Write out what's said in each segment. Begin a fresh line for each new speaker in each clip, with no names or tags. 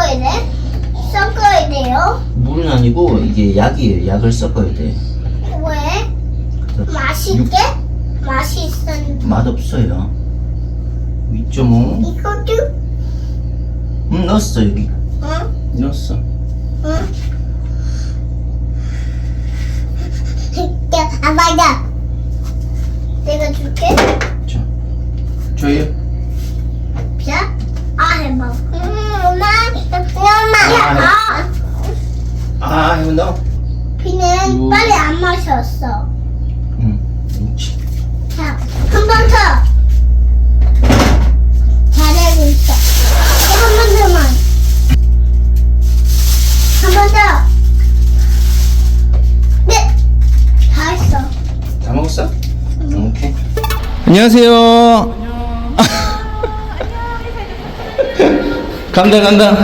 섞어야 돼? 섞어야 돼요?
물은 아니고 이게 약이에요. 약을 섞어야 돼.
왜? 맛있게? 맛이 있었는데.
맛없어요. 2.5.
이것도?
응, 넣었어 여기.
응?
넣었어.
응? 아, 맞아. 내가 줄게.
자, 줘요.
자, 해봐. 엄마. 엄마.
아, 이거 넣어.
비는 빨리 안 마셨어.
응. 그렇지.
자, 한 번 더. 잘하고 있어. 한 번 더만. 한 번 더. 네. 다 했어.
다 먹었어? 오케이. 안녕하세요. 간다.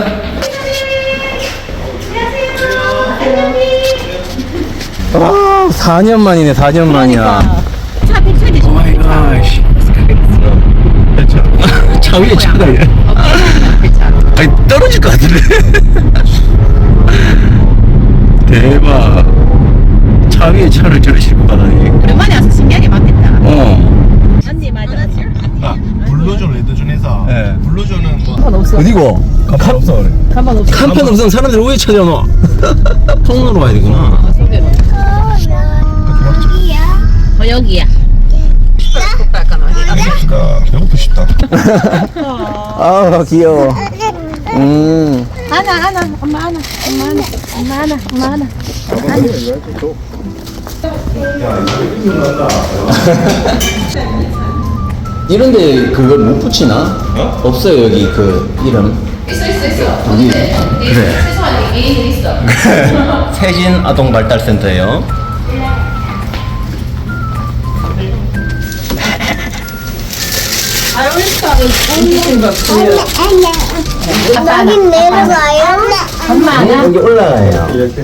아, 4년 만이네, 4년 만이야.
차 100차
오 마이 갓. 차 위에 차가 있네. 아니, 떨어질 것 같은데. 대박. 차 위에 차를 저리 싣고 가다니.
오랜만에 와서 신기하게 맞겠다. 언니 맞아.
블루존 레드존에서
네.
블루존은 뭐
간판 없어.
어디고?
간판 없어 그래.
간판 없어.
간판 없으면 사람들 왜 찾아놔? 통로로 가야 되구나.
여기야. 약간 어디?
그러니까 배고프 싶다.
아, 귀여워.
안아. 엄마 안아.
이런데 그걸 못 붙이나?
어?
없어요 여기 그 이름.
있어.
여기 그래.
최소한 애인들 있어.
세진 아동 발달센터예요.
여긴 내려가요?
엄마 안아.
여기 올라가요.
이렇게.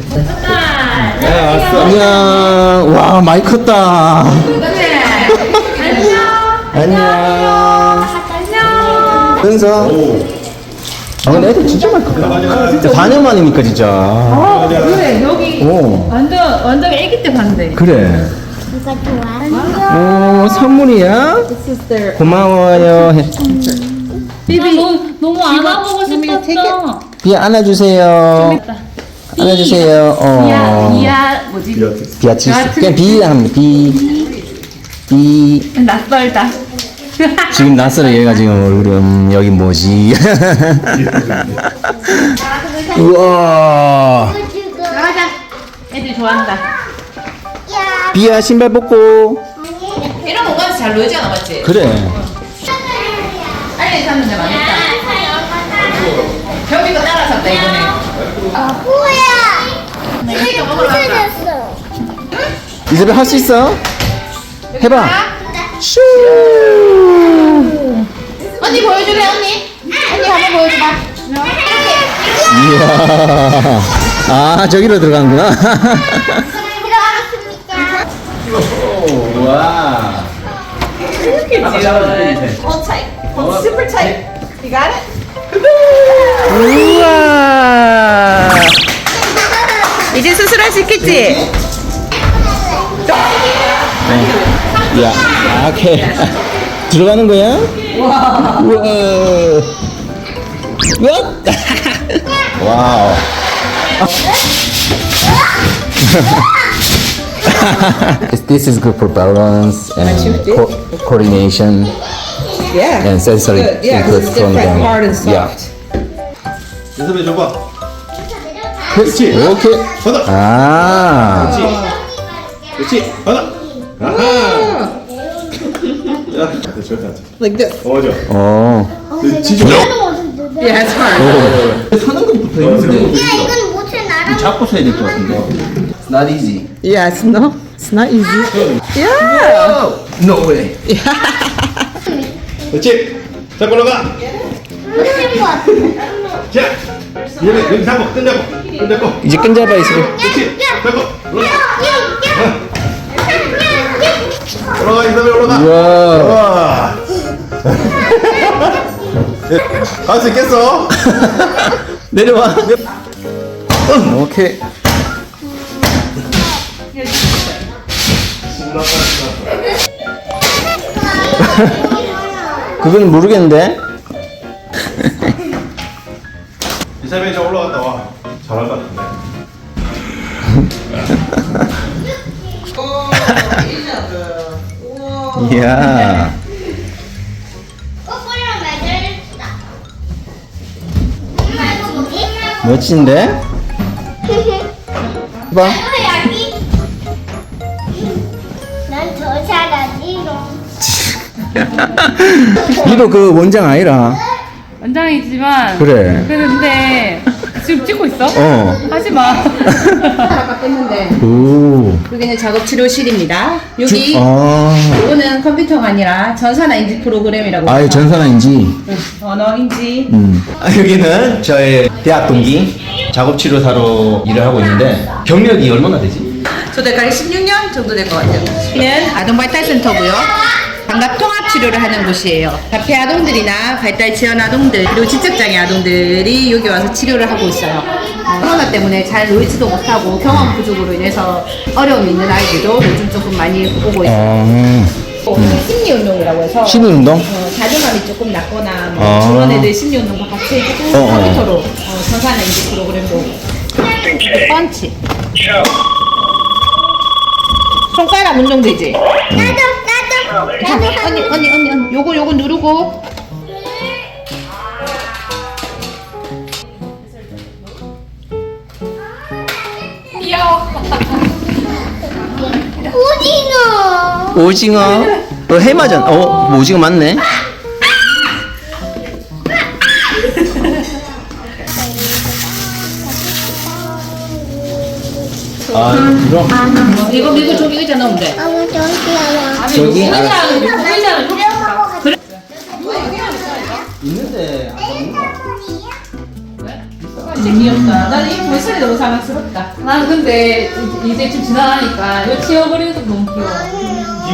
안녕. 와 많이 컸다. 안녕. 은서. 아 근데 애들 진짜 많이 컸다. 진짜 4년 만이니까 진짜.
그래 여기
오
완전 아기 때 봤는데.
그래.
누가 좋아?
오 선물이야? 고마워요.
비비 너무 안아보고 싶었어.
비야 안아주세요. 안아주세요.
이야 뭐지?
비아치스. 그냥 비 합니다. 비.
낯설다.
지금 낯설어 얘가 지금 얼굴이 여기 뭐지? 우와.
나가자. 애들 좋아한다.
야,
비야 신발 벗고.
이런 공간에서 잘 놀지 않아 맞지?
그래.
빨리 샀는데 망했다. 경비가 따라잡다 이번에.
뭐야?
이거 먹으러 갈까?
부서졌어.
이제벨 할 수 있어? 해봐. 슈.
언니 보여줄래 언니? 언니 한번 보여줘봐.
이야. 아 저기로 들어가는구나.
들어가겠습니다.
와.
Hold tight. Hold super tight. You got it?
우와.
이제 수술할 수 있겠지?
야, 오케이. 들어가는 거야? 우와. 우와. 와우. This is good for balance and coordination
Yeah.
and sensory
Good. Yeah,
input
it's
from
different,
them.
hard and soft.
연습해 줘봐.
그렇지. 오케이.
받아.
아.
그렇지. 받아. 아하. 야, 저기 앉아.
Like this.
맞아.
어.
지져.
Yeah, it's hard.
사는 것부터 있는데
야, 이건 못해 나랑.
잡고 서야 될 것 같은데. It's not easy.
Yes, no, it's not easy. Yeah.
No way.
그렇지. 잡고 올라가.
못할 것 같아.
자, 얘네 여기 잡고 끈잡고.
이제 끈잡아 있어.
그렇지. 잡고 올라가.
야,
올라가 이사벨 올라가.
우와.
와. 갈 수 있겠어?
내려와. 오케이. 그건 모르겠는데.
이사벨 저 올라갔다 와. 잘할 것 같은데.
이야.
꼬꼬리랑 매달렸다. 엄마 이거 뭐지?
멋진데? 봐.
이거 여기. 난 더 잘하지롱.
니도 그 원장 아니라.
원장이지만
그래.
근데 지금 찍고 있어?
어.
하지 마.
아까 뺐는데
오.
여기는 작업 치료실입니다. 여기
아.
이거는 컴퓨터가 아니라 전산화 인지 프로그램이라고
아예
해서
전산화인지.
언어인지
여기는 저의 대학 동기 작업치료사로 일을 하고 있는데 경력이 얼마나 되지?
저대까지 16년 정도 될 것 같아요. 여기는 아동발달센터고요. 반갑 통합 치료를 하는 곳이에요. 자폐 아동들이나 발달 지연 아동들 그리고 지적장애 아동들이 여기 와서 치료를 하고 있어요. 코로나 때문에 잘 놀지도 못하고 경험 부족으로 인해서 어려움이 있는 아이들도 요즘 조금 많이 오고 있어요. 심리 운동이라고 해서
심리 운동?
자존감이 조금 낮거나
아.
그런 애들 심리 운동과 같이 해주고 컴퓨터로 전산화 인지 프로그램도 펀치 손가락 운동 되지? 언니 요거 누르고
오징어.
오징어. 해마전. 오징어 맞네. 아, 그럼
이거 저기 의자 넣으면 돼.
아무 저기야.
저기
그래?
있는데
재미없다. 나는 이 모습이 너무 사랑스럽다.
나는 근데 이제 좀 지나가니까 이거 치워버리는 것도 너무 귀여워.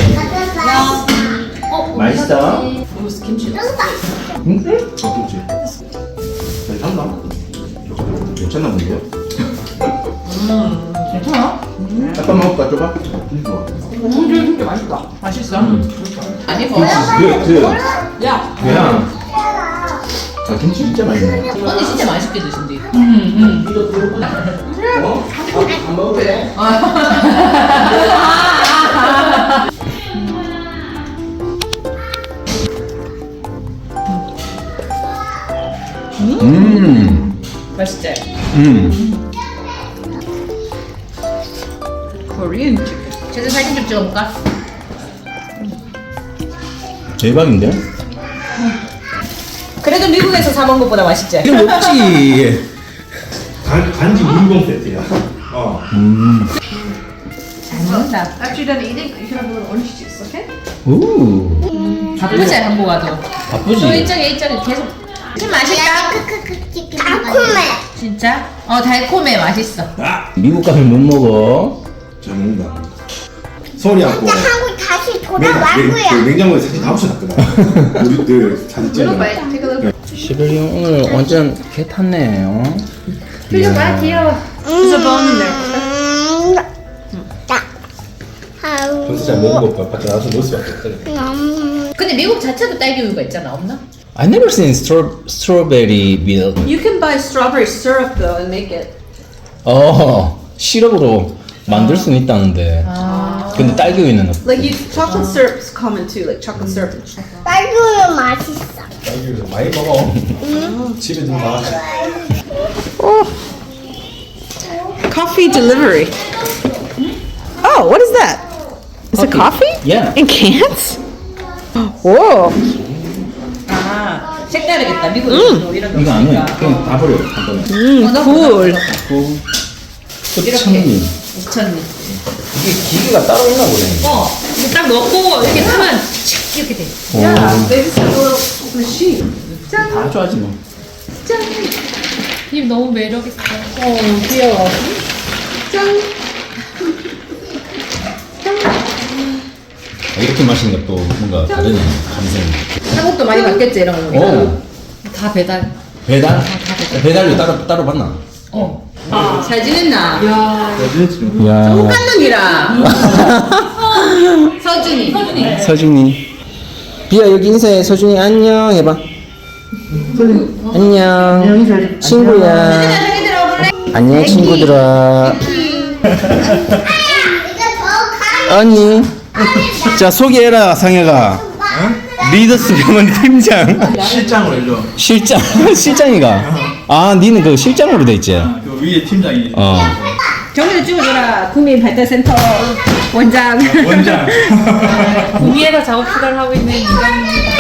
맛있어.
응? 어떻지? 괜찮나? 괜찮나 본데요?
괜찮아?
잠깐 먹을까 줘봐.
진짜 맛있다. 맛있어? 아니 뭐. 야.
그냥. 아 김치 진짜 맛있네.
언니 진짜 맛있게 드신디.
어? 안 먹어도 돼.
맛있지?
Korean chicken.
제가 사진 좀 찍어볼까?
대박인데?
그래도 미국에서 사 먹은 것보다 맛있지?
이거 먹지.
간지 물건 세트야. 어.
잘 먹는다.
After you're done eating, you can have a little orange juice, okay?
오.
바쁘지 한국 와도.
바쁘지.
또 이쪽에 계속. 진 맛있다.
달콤해.
진짜? 달콤해 맛있어.
미국 가면 못 먹어.
잘 먹는다. 소리 않고.
혼자 하고 다시 돌아왔고요.
냉장고에 사진 다 붙여놨거든. 우리들 사진
Little
찍어.
bite. Take a little.
시베리 오늘 완전 개 탔네요.
봐 귀여워.
There's a bone in there.
평소 잘 먹은 거 밖에 나와서 먹을 수밖에 없다.
근데 미국 자체도 딸기 우유가 있잖아 없나?
I never seen strawberry milk.
You can buy strawberry syrup though and make it.
시럽으로 만들 수는 있다는데. 근데 딸기 우유는 없.
Like you, chocolate syrup's common too, like chocolate syrup.
딸기우유 맛있어.
딸기를 많이 먹어. 집에 좀 가.
Coffee delivery. Oh, what is that? Is it coffee?
Yeah.
In cans? Whoa.
색다르겠다 미국에서도 이런 거
이거 안 해.
없으니까.
그냥 다 버려. 한 번에.
Cool.
끝천리.
5,000원.
이게 기계가 따로 있나 보네.
이거 딱 넣고 이렇게 하면 칙 이렇게 돼.
Yeah, they just have a little machine.
다 좋아하지 뭐.
입 너무 매력있어.
귀여워.
이렇게 마시는 것도 뭔가 다르네. 감성이.
한국도 많이 받겠지 이런 거.
오.
다 배달.
배달?
다
배달료 따로 받나?
잘 지냈나?
야.
똑같은 놈이랑 서준이.
서준이. 비야 여기 인사해. 서준이 안녕 해봐. 안녕. 친구야. 안녕 친구들아. 언니. 자 소개해라 상혁아. 리더스 병원 팀장.
실장으로 해줘.
실장이가. 아 니는 그 실장으로 돼 있지.
그 위에 팀장이.
정리를 찍어줘라. 국민 발달센터 원장.
원장.
구미에서 작업 시간을 하고 있는 이장입니다.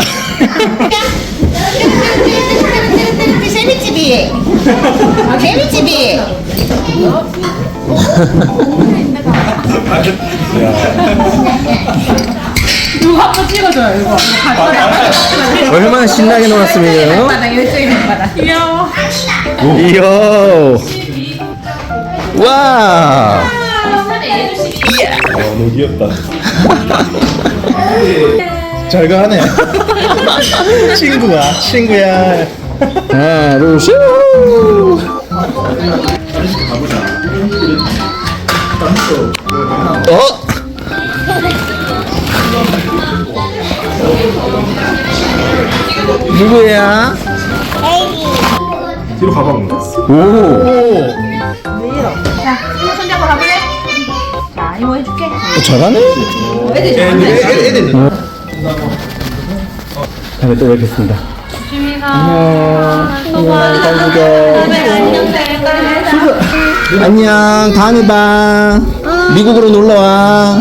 재미집이. 재미집이.
이거 한번 찍어줘요, 이거.
얼마나 신나게 놀았으면.
바닥 열정이 바닥.
귀여워.
이야. 와.
너무 귀엽다. 잘 가네. 친구야.
하나 둘 셋. 누구야?
뒤로 가봐.
오.
이모 손잡고 가볼래? 자, 이모 해줄게.
잘하네.
애들 잘한다.
애들. 다음에 또 뵙겠습니다. 안녕. 다음에 봐. 미국으로 놀러 와.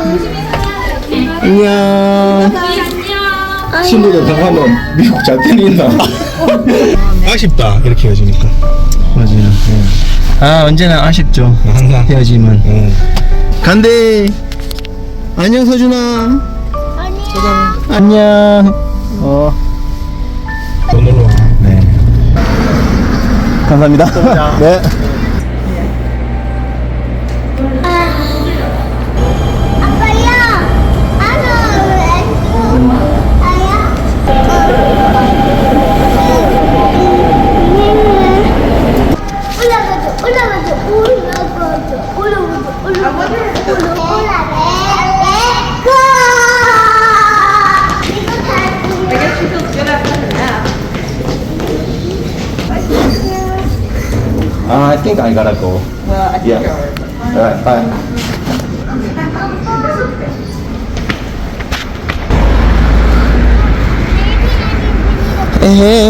안녕. 친구들 방하면 미국 잘 때린다.
아쉽다 이렇게 헤어지니까.
맞아요. 아 언제나 아쉽죠.
항상.
헤어짐은. 간대. 안녕 서준아. 안녕.
또 놀러 와.
네. 감사합니다. 네.
아빠야.
I think I gotta go.
Well, I think
Yeah.
you're
Alright, bye. 에헤.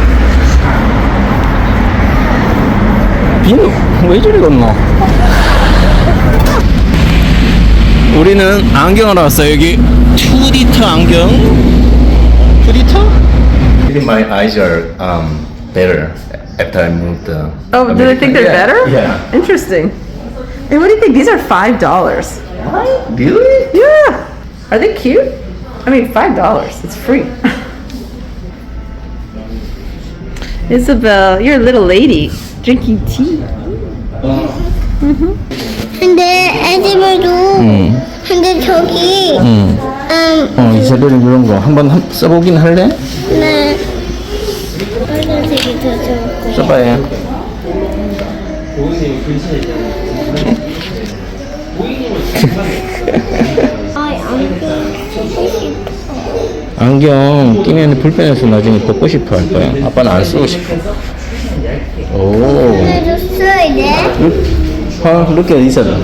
비는 왜 저리 걷노? 우리는 안경을 왔어요. 여기 투디터 안경. 투디터? I think my eyes are better after I moved.
Oh, do they think they're
Yeah,
better?
Yeah.
Interesting. And what do you think? These are $5.
Really?
Yeah. Are they cute? I mean, $5. It's free. Isabel, you're a little lady drinking tea.
근데 애들도 근데 저기
이사벨은 이런 거 한번 써보긴 할래?
네 빨간색이 더 좋을 거야.
써봐요. 안경 끼면 불편해서 나중에 벗고 싶어 할 거야. 아빠는 안 쓰고 싶어. 오.
그래도 써야 돼.
Look at Isabel.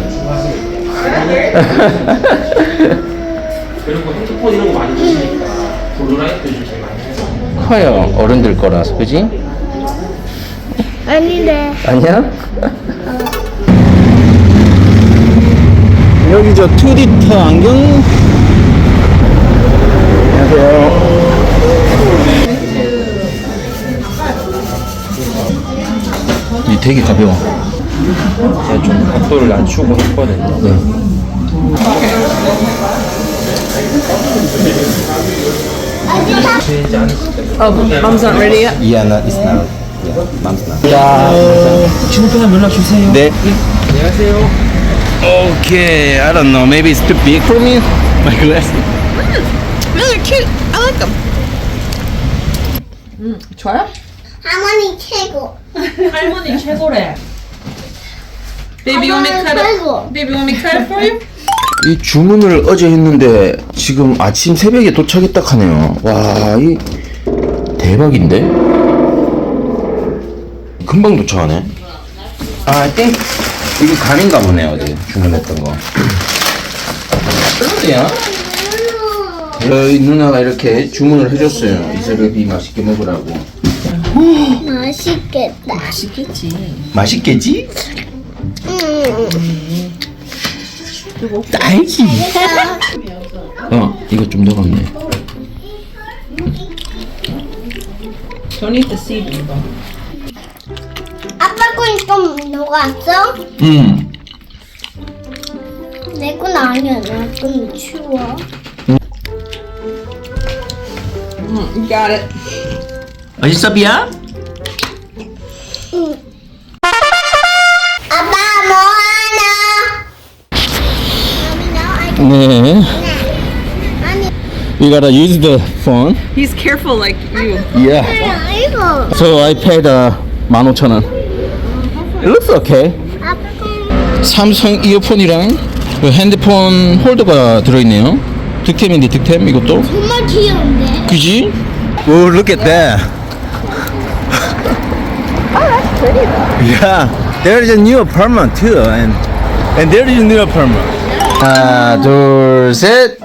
그리고 핸드폰 이런 거 많이 보시니까 블루라이트 요즘 많이 해서
커요. 어른들 거라서, 그지?
아닌데.
아니야? 여기 저 투디터 안경. 안녕하세요. 이 되게 가벼워.
제가 좀 각도를 낮추고 했거든요.
네.
되지 않으실까요?
Oh, mom's not ready yet?
Yeah, no, it's not. Yeah, mom's not.
친구들한테 연락 주세요.
네.
안녕하세요.
Okay, I don't know. Maybe it's too big for me. My glasses.
No, they're cute. I like them. 좋아요?
할머니 최고.
할머니 최고래.
Baby, you want me to cut
최고.
it? Baby, you want me to cut it for you?
이 주문을 어제 했는데 지금 아침 새벽에 도착했다 하네요. 와, 이 대박인데? 금방 도착하네. I think 이게 간인가 보네. 어제 주문했던 거. 그러네요. 저희 누나가 이렇게 주문을 해줬어요. 이 새벽이 맛있게 먹으라고.
맛있겠다.
맛있겠지? 딸기. 이거 좀 녹았네.
Don't eat the seed, though.
아빠 건 좀 녹았어? 내 건 아니야. 내 건 추워.
You got it.
맛있어, 비야?
아빠 뭐 하나?
네. We gotta use the phone.
He's careful like you.
Yeah.
이거.
So I paid 15,000원. It looks okay.
아빠 건
삼성 이어폰이랑 그 핸드폰 홀더가 들어있네요. 득템인데 득템 이것도.
정말 귀여운데?
그지? Oh, look at that. Yeah, there is a new apartment too, and there is a new apartment. 하나, 둘, 셋.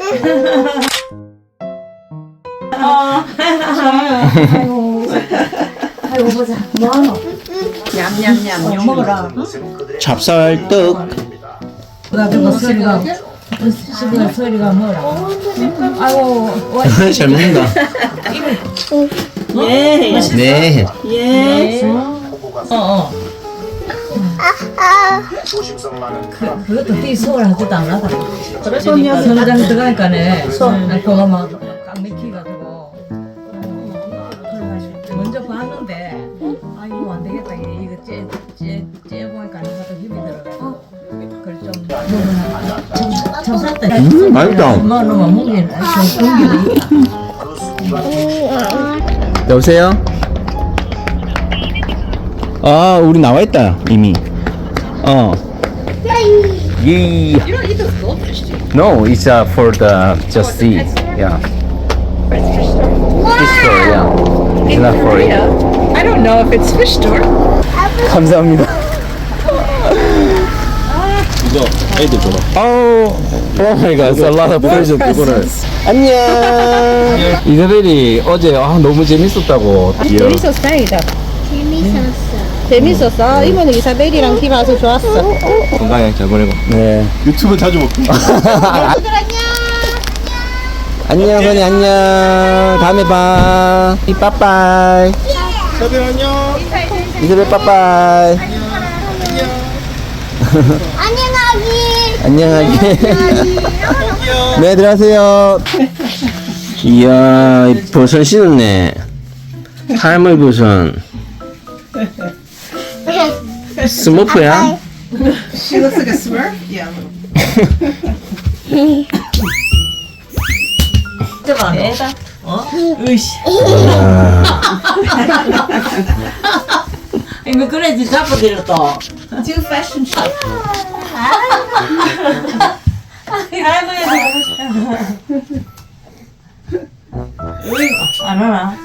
냠냠냠. 먹어라.
찹쌀떡.
소리가 뭐라. 아이고,
잘 먹는다. 네.
그것도 띠 소리 하지도 않아다. 선장 들어가니까네. 그거 막꽉 맥히가지고. 먼저 봤는데, 아이고 안 되겠다. 이거 째 보니까 하도 힘이 들어가지고. 그걸 좀 먹으나. 좀 샀다.
맛있다.
엄마는 먹기는 좀
여보세요? 아, 우리 나와 있다 이미. 예. No, it's for the just see. Yeah. Fish store, yeah. It's not for it.
I don't know if it's fish store.
감사합니다. 이거 애들 줘봐. Oh my god, it's a lot of present 이거를. 안녕. 이사벨이 어제 너무 재밌었다고.
재밌었어. 재밌었어. 이모는 이사벨이랑 팀 와서 좋았어.
건강히 잘 보내고. 네.
유튜브 자주 볼게.
안녕 선이 안녕. 다음에 봐. 빠빠이.
다들 안녕.
이사벨 빠빠이.
안녕하기.
안녕하게. 네, 들어가세요. 이야, 이 버선 신었네. 할머니 버선. 스머프야?
She looks like a Smurf. Yeah.
애다. 이거 그래야지 잡아드렸다.
Do fashion show.
안 하나?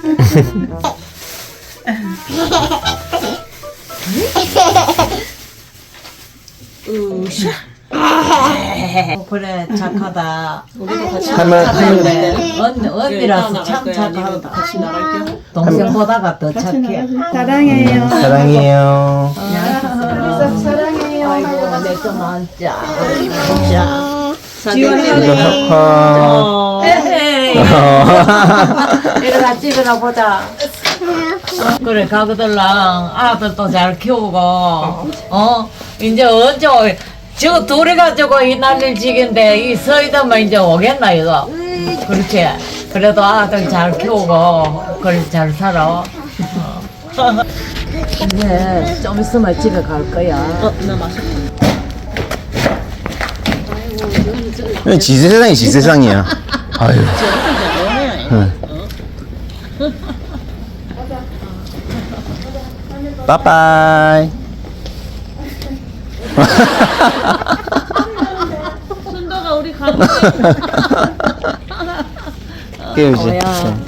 그래 착하다. 언니라서 참 착하다. 같이 나갈게요. 동생 보다가 더 착해.
사랑해요.
사랑해요.
사랑해요.
아이고 내좀 앉자. 앉자.
이거 하파.
이래가 찍으나 보자. 그래 가그들랑 아들도 잘 키우고 이제 언제 저 둘이 가지고 이 난리를 지긴데 이 서이다만 이제 오겠나 이거. 그렇지. 그래도 아들 잘 키우고 그래 잘 살아. 이제 좀 있으면 집에 갈 거야. 나 맛있다.
지세상이 지세상이야. 아유. 빠빠이.
순도가 우리 가는
깨우지.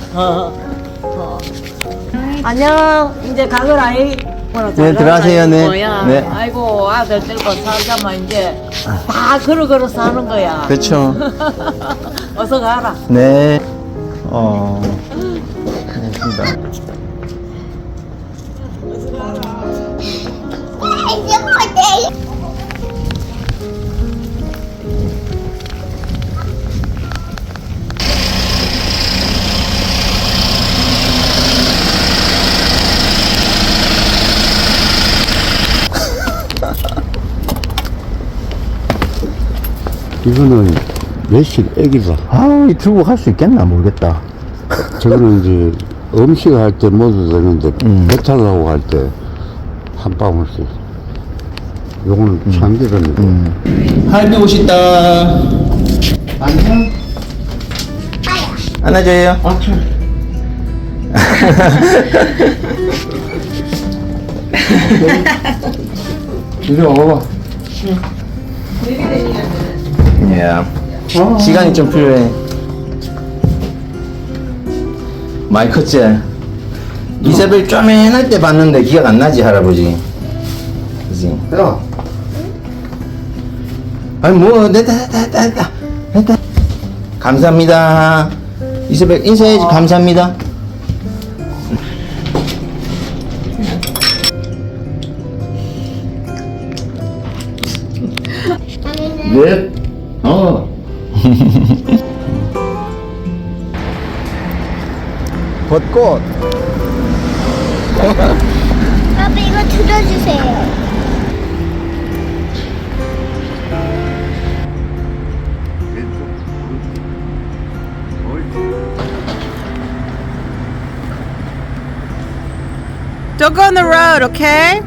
안녕. 이제 가거라이.
네, 들어가세요. 네.
뭐야.
네.
아이고 아들 들고 살자만 이제 다 걸어 사는 거야.
그렇죠.
어서 가라.
네. 고맙습니다.
이거는 외식 애기다.
아우, 이 들고 갈 수 있겠나 모르겠다.
저거는 이제 음식 할 때 먹어도 되는데 배탈 나고 갈 때 한 방울씩. 요거는 참기름이고.
할비 오셨다. 안녕. 안아줘요.
이리 와봐.
시간이 좀 필요해. 많이 컸지? 이세벨 쪼맨할 때 봤는데 기억 안 나지, 할아버지? 그지?
야,
아니, 뭐, 됐다. 감사합니다. 이세벨 인사해야지, 감사합니다.
네.
벚꽃.
아빠 이거 들어주세요.
Don't go on the road, okay?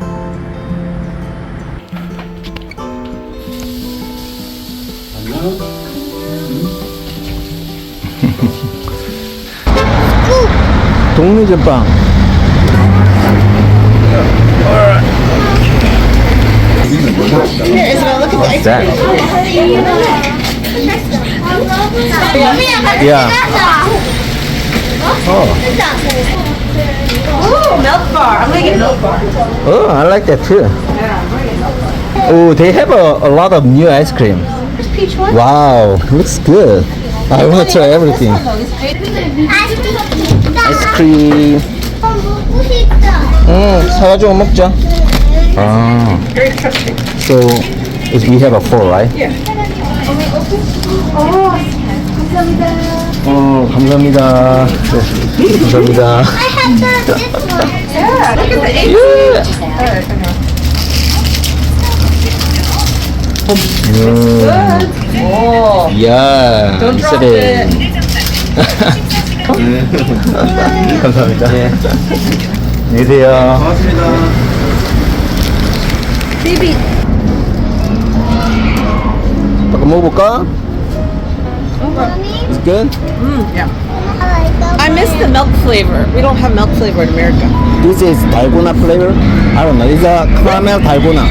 동네 전빵. What's that? Yeah.
Oh, milk bar. I'm gonna get milk bar.
Oh, I like that too. Oh, they have a lot of new ice cream. Wow, looks good. I want to try everything. Ice cream.
먹고 싶다.
사가지고 먹자. 아. So, we have a 4, right? Yeah. 감사합니다. 네, 감사합니다.
I have this one.
Look at the AC.
이야,
Don't drop
이슬에.
it.
감사합니다. 네. 안녕히 계세요.
고맙습니다.
아까 먹어볼까? It's good?
I miss the milk flavor. We don't have milk flavor in America.
This is dalgona flavor? I don't know. It's a caramel dalgona.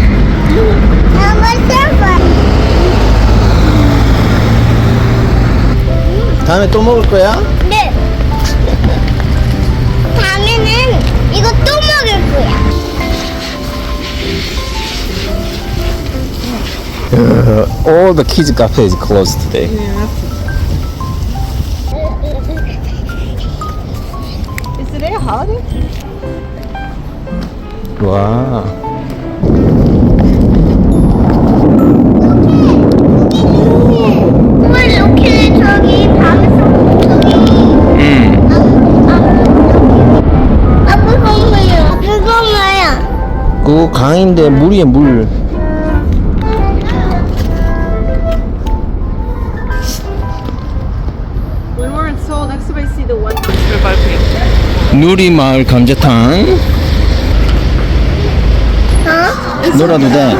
다음에 또 먹을 거야?
네. 다음에는 이거 또 먹을 거야.
All the kids cafe is closed today.
Is today a holiday?
와.
왜 이렇게 저기 밤에서 저기 아빠 뭐야? 그거 뭐야?
그 강인데 물이에 물.
When we're in Seoul, next time I see the one.
누리마을 감자탕. 놀아도 돼.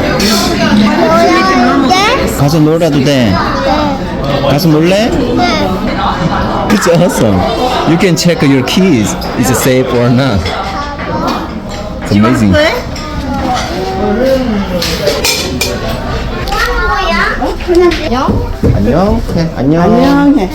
뭐야? 네?
가서 놀아도 돼. 가서 놀래?
네.
It's awesome. You can check your keys. Is it safe or not? It's amazing. 안녕. 안녕.
안녕해.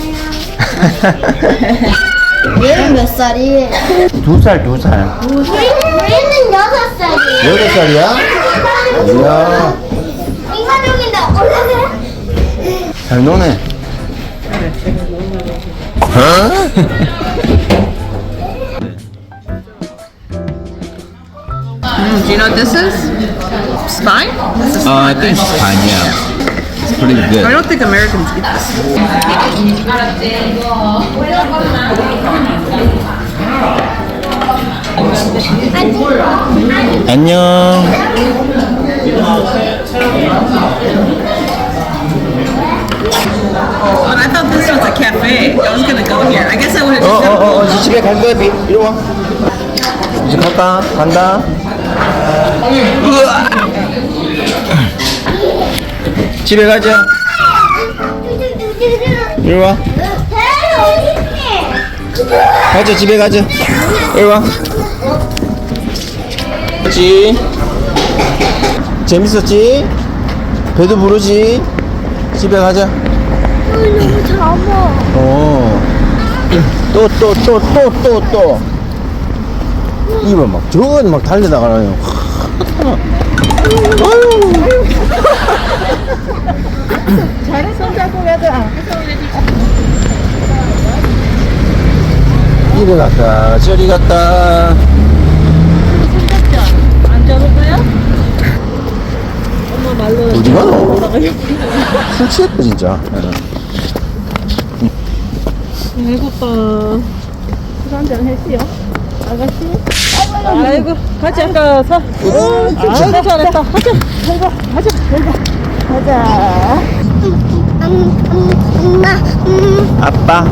얘는 몇 살이에요?
2살.
우리는 6살이에요.
8살이야? 이야.
인간적인데 올라가요?
잘 노네.
Do you know what this is? Spine?
I think it's fine, yeah. It's pretty
I
good.
don't think Americans eat this.
안녕.
Oh, I thought this was a cafe. I was gonna go here. I guess I would have just
이제 집에 갈 거야, 비. 이리 와. 이제 갈까? 간다. 으아. 집에 가자. 이리 와. 가자, 집에 가자. 이리 와. 그렇지. 재밌었지? 배도 부르지? 집에 가자.
너무 잡아.
또. 이봐, 막, 저건 막 달려나가요.
잘해, 손잡고 가자.
이리 갔다, 저리 갔다.
안 잡을 거야? 엄마 말로.
어디 가노? 술 취했다, 진짜.
배고파. 술 한잔 했지요? 아가씨? 아이고, 가자. 가서. 아이고, 잘했다. 가자.
엄마,
아빠.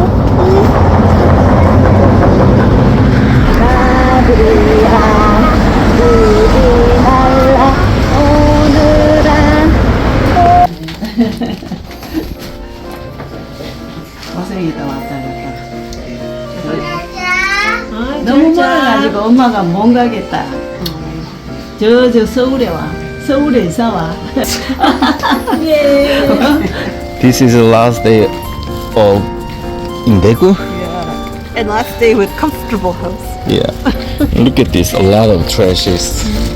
고생이다, 왔다 갔다. 너무 멀어가지고 엄마가 못 가겠다. 저 서울에 와. 서울에서 와. 예.
This is the last day of in Daegu?
And last day with comfortable house.
Yeah. Look at this, a lot of trashes.